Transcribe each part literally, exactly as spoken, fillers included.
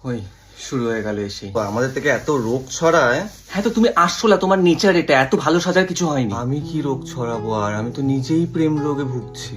ওই শুরু হয়ে গেল এসে আমাদের থেকে এত রোগ ছড়ায়। হ্যাঁ তো তুমি আসছো না, তোমার নেচার এটা, এত ভালো সাজার কিছু হয়নি। আমি কি রোগ ছড়াবো আর, আমি তো নিজেই প্রেম রোগে ভুগছি।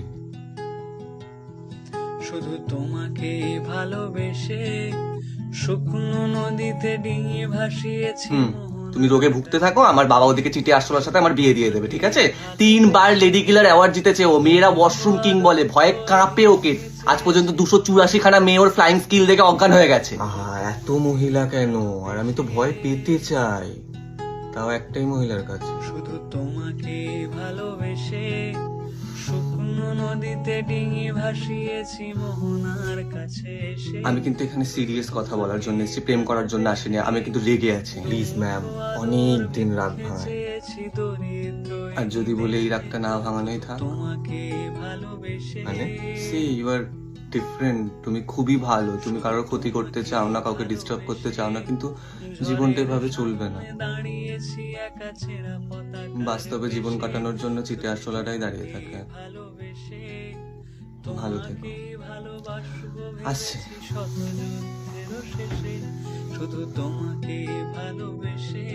শুধু তোমাকে ভালোবেসে শুকনো নদীতে ডিঙি ভাসিয়েছি। হুম, তুমি রোগে ভুগতে থাকো, আমার বাবা ওদিকে চিঠি আসলার সাথে আমার বিয়ে দিয়ে দেবে, ঠিক আছে? তিনবার লেডি কিলার অ্যাওয়ার্ড জিতেছে ও, মেয়েরা ওয়াশরুম কিং বলে, ভয়ে কাঁপে ওকে। আজ পর্যন্ত দুশো চুরাশি খানা মেয়ে ওর ফ্লাইং স্কিল দেখে অজ্ঞান হয়ে গেছে। আহা, এত মহিলা কেন? আর আমি তো ভয় পেতে চাই, তাও একটাই মহিলার কাছে। শুধু তোমাকে ভালোবেসে শুকনো নদীতে ডিঙি ভাসিয়েছি মোহনার কাছে এসে। আমি কিন্তু এখানে সিরিয়াস কথা বলার জন্য এসেছি, প্রেম করার জন্য আসিনি। আমি কিন্তু রেগে আছি। প্লিজ ম্যাম, অনেক দিন রাগ ভাঙায়। চেয়েছি দরিদ্র আর যদি বলে এই রাগটা না ভাঙানোই থাক, তোমাকে ভালোবেসে মানে সি ইউ আর ডিফারেন্ট। তুমি খুবই ভালো, তুমি কারোর ক্ষতি করতে চাও না, কাউকে ডিস্টার্ব করতে চাও না, কিন্তু জীবনটা এভাবে চলবে না। দাঁড়িয়েছি একা ছেঁড়া পতাকা বাস্তবে জীবন কাটানোর জন্য চিটে আসলাটাই দাঁড়িয়ে থাকে। ভালোবেসে ভালো থেকো। ভালোবাসবো আসছে। শত যুদ্ধের শেষে শুধু তোমাকে ভালোবেসে।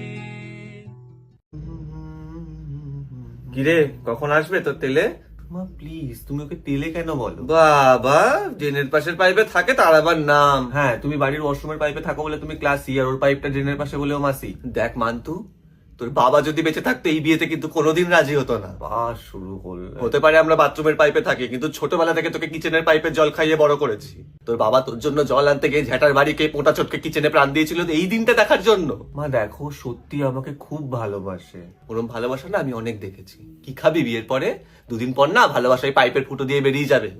কিরে, কখন আসবে তোর তেলে? মা প্লিজ, তুমি ওকে তেলে কেন বলো? বাবা, ড্রেনের পাশের পাইপে থাকে তার আবার নাম। হ্যাঁ, তুমি বাড়ির ওয়াশরুমের পাইপে থাকো বলে তুমি ক্লাসি, আর ওর পাইপটা ড্রেনের পাশে বলেও মাসি। দেখ মান্তু, তোর বাবা যদি বেঁচে থাকতো এই বিয়েতে কিন্তু কোনোদিন রাজি হতো না। বাস শুরু করলে। হতে পারে আমরা বাথরুমের পাইপে থাকি, কিন্তু ছোটবেলা থেকে তোকে কিচেনের পাইপে জল খাইয়ে বড় করেছি। তোর বাবা তোর জন্য জল আনতে গিয়ে ঝ্যাটার বাড়িকে পোটা চটকে কিচেনে প্রাণ দিয়েছিল এই দিনটা দেখার জন্য। মা দেখো, সত্যি আমাকে খুব ভালোবাসে। ওরম ভালোবাসা না আমি অনেক দেখেছি। কি খাবি বিয়ের পরে? দুদিন পর না ভালোবাসায় পাইপের ফুটো দিয়ে বেরিয়ে যাবে।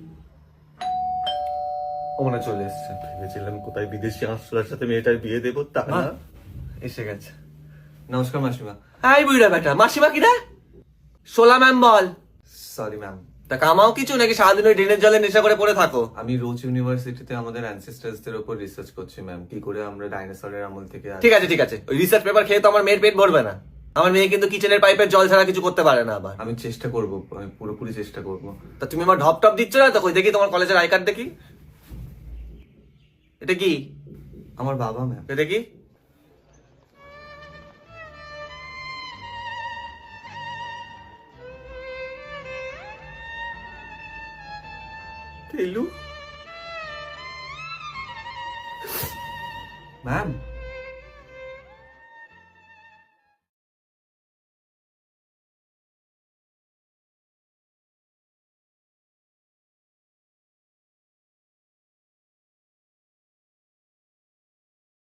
ও মনে হয় চলে এসছে। ভেবেছিলাম কোথায় বিদেশি আশ্রয়ের সাথে মেয়েটার বিয়ে দেবো, তা না। এসে গেছে। নমস্কার মাসিমা। হাই বুড়া বেটা, মাসিমা কি রে? সোলা ম্যাম বল। Sorry ma'am. তা কামাও কিছু নাকি সারাদিন ওই ড্রেনের জলে নেশা করে পড়ে থাকো? আমি রোজ ইউনিভার্সিটিতে আমাদের অ্যানসেস্টার্সদের উপর রিসার্চ করছি ম্যাম, কি করে আমরা ডাইনোসরের আমল থেকে আস- ঠিক আছে ঠিক আছে, ওই রিসার্চ পেপার খেয়ে তো আমার মেয়ের পেট ভরবে না। আমার মেয়ে কিন্তু কিচেনের পাইপের জল ছাড়া কিছু করতে পারে না আবার। আমি চেষ্টা করবো, আমি পুরোপুরি চেষ্টা করবো। তা তুমি আমার ঢপ টপ দিচ্ছ না তো? কই দেখি তোমার কলেজের আই কার্ড দেখি। এটা কি? আমার বাবা ম্যাম। এটা কি? টেলু ম্যাম।